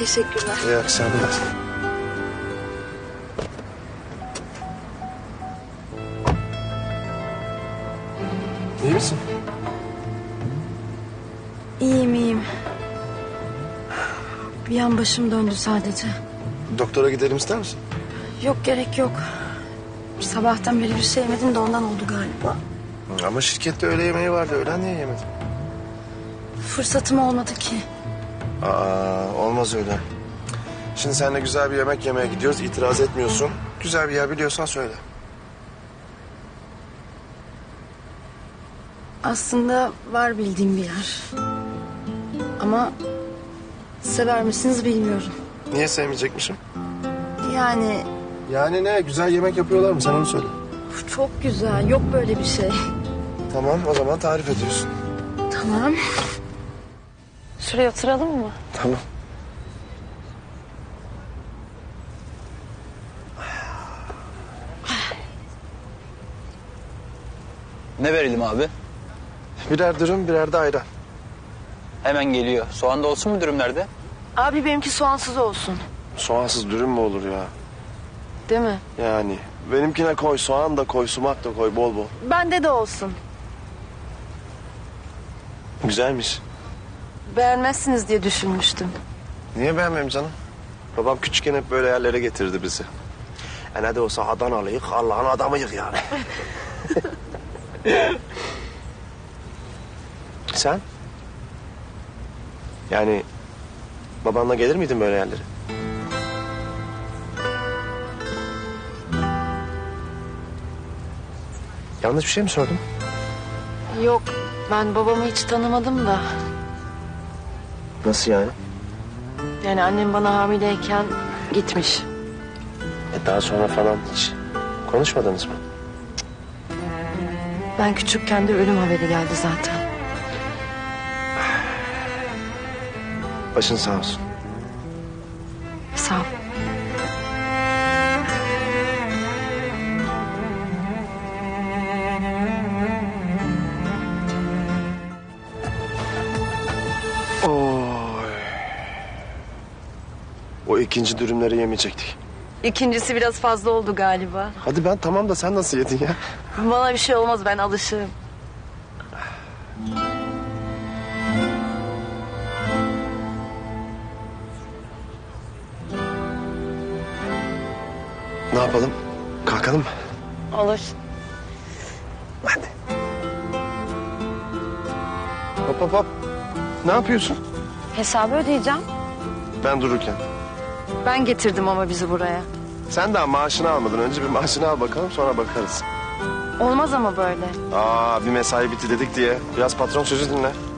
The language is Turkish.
Teşekkürler. İyi akşamlar. İyi misin? İyiyim. Bir an başım döndü sadece. Doktora gidelim ister misin? Yok, gerek yok. Sabahtan beri bir şey yemedim de ondan oldu galiba. Ama şirkette öğle yemeği vardı. Öğlen niye yemedin? Fırsatım olmadı ki. Olmaz öyle. Şimdi seninle güzel bir yemek yemeye gidiyoruz. İtiraz etmiyorsun. Güzel bir yer biliyorsan söyle. Aslında var bildiğim bir yer. Ama sever misiniz bilmiyorum. Niye sevmeyecekmişim? Yani Yani ne? Güzel yemek yapıyorlar mı? Sen onu söyle. çok güzel. Yok böyle bir şey. Tamam, o zaman tarif ediyorsun. Tamam. Şuraya oturalım mı? Tamam. Ne verelim abi? Birer dürüm, birer de ayran. Hemen geliyor. Soğan da olsun mu dürümlerde? Abi benimki soğansız olsun. Soğansız dürüm mü olur ya? Değil mi? Yani benimkine koy, soğan da koy, sumak da koy bol bol. Bende de olsun. Güzelmiş. Beğenmezsiniz diye düşünmüştüm. Niye beğenmeyeyim canım? Babam küçükken hep böyle yerlere getirdi bizi. Ne de olsa Adanalıyık, Allah'ın adamıyık yani. Sen? Yani babanla gelir miydin böyle yerlere? Yanlış bir şey mi sordum? Yok, ben babamı hiç tanımadım da. Nasıl yani? Yani annem bana hamileyken gitmiş. Daha sonra falan hiç konuşmadınız mı? Ben küçükken de ölüm haberi geldi zaten. Başın sağ olsun. Sağ ol. Oy. O ikinci dürümleri yemeyecektik. İkincisi biraz fazla oldu galiba. Hadi ben tamam da sen nasıl yedin ya? Bana bir şey olmaz, ben alışığım. Ne yapalım? Kalkalım mı? Olur. Hadi. Hop hop hop. Ne yapıyorsun? Hesabı ödeyeceğim. Ben dururken. Ben getirdim ama bizi buraya. Sen daha maaşını almadın. Önce bir maaşını al bakalım sonra bakarız. Olmaz ama böyle. Bir mesai bitti dedik diye. Biraz patron sözü dinle.